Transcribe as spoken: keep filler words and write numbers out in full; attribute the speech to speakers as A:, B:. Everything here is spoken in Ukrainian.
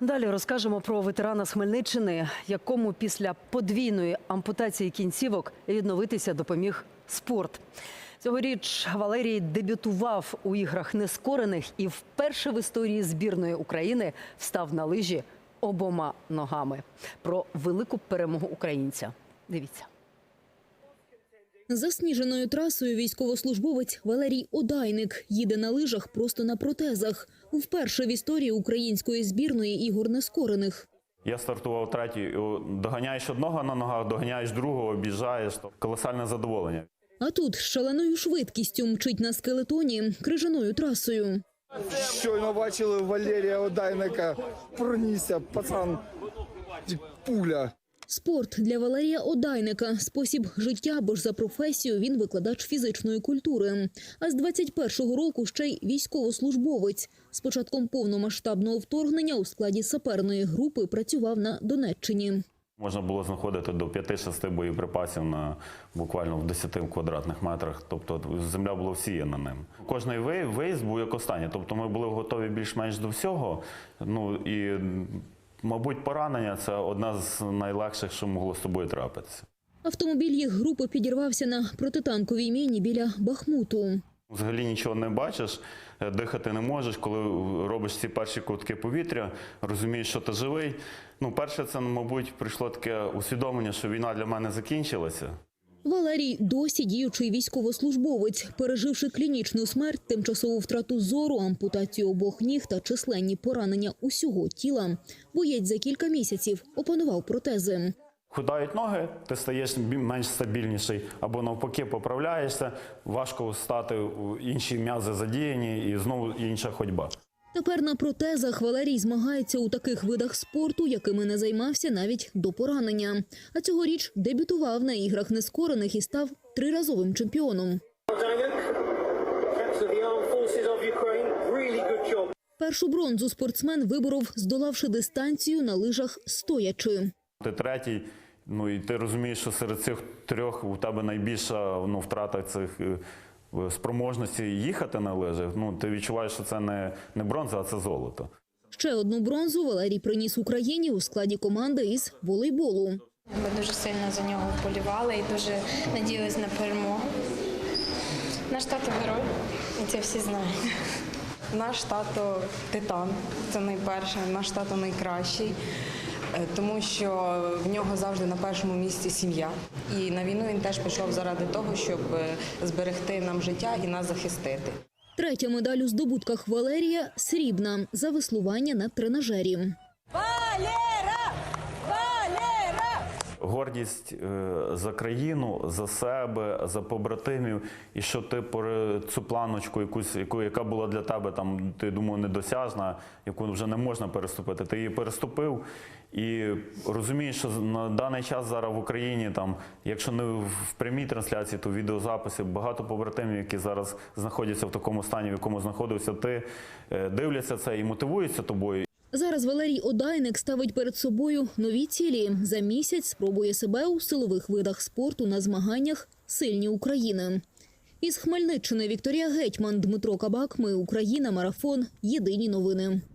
A: Далі розкажемо про ветерана з Хмельниччини, якому після подвійної ампутації кінцівок відновитися допоміг спорт. Цьогоріч Валерій дебютував у іграх нескорених і вперше в історії збірної України встав на лижі обома ногами. Про велику перемогу українця. Дивіться.
B: Засніженою трасою військовослужбовець Валерій Одайник їде на лижах просто на протезах. Вперше в історії української збірної ігор нескорених.
C: Я стартував третій, доганяєш одного на ногах, доганяєш другого, об'їжджаєш. Колосальне задоволення.
B: А тут з шаленою швидкістю мчить на скелетоні крижаною трасою.
D: Щойно бачили Валерія Одайника, пронісся, пацан, пуля.
B: Спорт для Валерія Одайника – спосіб життя, бо ж за професією він викладач фізичної культури. А з двадцять першого року ще й військовослужбовець. З початком повномасштабного вторгнення у складі саперної групи працював на Донеччині.
C: Можна було знаходити до п'яти-шести боєприпасів на буквально в десяти квадратних метрах. Тобто земля була всіяна ним. Кожний виїзд був як останній. Тобто ми були готові більш-менш до всього. Ну і, мабуть, поранення – це одна з найлегших, що могло з тобою трапитися.
B: Автомобіль їх групи підірвався на протитанковій міні біля Бахмуту.
C: Взагалі нічого не бачиш, дихати не можеш, коли робиш ці перші ковтки повітря, розумієш, що ти живий. Ну, перше, це, мабуть, прийшло таке усвідомлення, що війна для мене закінчилася.
B: Валерій – досі діючий військовослужбовець. Переживши клінічну смерть, тимчасову втрату зору, ампутацію обох ніг та численні поранення усього тіла, боєць за кілька місяців опанував протези.
C: Худають ноги, ти стаєш менш стабільніший, або навпаки поправляєшся, важко стати, інші м'язи задіяні і знову інша ходьба.
B: Тепер на протезах Валерій змагається у таких видах спорту, якими не займався навіть до поранення. А цьогоріч дебютував на іграх нескорених і став триразовим чемпіоном. Першу бронзу спортсмен виборов, здолавши дистанцію на лижах стоячи.
C: Ти третій, ну і ти розумієш, що серед цих трьох у тебе найбільша ну, втрата цих спроможності їхати на лижах. Ну, ти відчуваєш, що це не, не бронза, а це золото.
B: Ще одну бронзу Валерій приніс Україні у складі команди із волейболу.
E: Ми дуже сильно за нього вболівали і дуже надіялись на перемогу. Наш тато герой, і це всі знають.
F: Наш тато титан, це найперше, наш тато найкращий, тому що в нього завжди на першому місці сім'я. І на війну він теж пішов заради того, щоб зберегти нам життя і нас захистити.
B: Третя медаль у здобутках Валерія – срібна за веслування на тренажері.
G: Валера! Валера!
C: Гордість за країну, за себе, за побратимів. І що ти цю планочку, якусь, яку, яка була для тебе, там, ти думав, недосяжна, яку вже не можна переступити, ти її переступив. І розумієш, що на даний час зараз в Україні, там, якщо не в прямій трансляції, то в відеозаписі, багато побратимів, які зараз знаходяться в такому стані, в якому знаходився ти, дивляться це і мотивуються тобою.
B: Зараз Валерій Одайник ставить перед собою нові цілі. За місяць спробує себе у силових видах спорту на змаганнях «Сильні України». Із Хмельниччини Вікторія Гетьман, Дмитро Кабак. Ми Україна. Марафон. Єдині новини.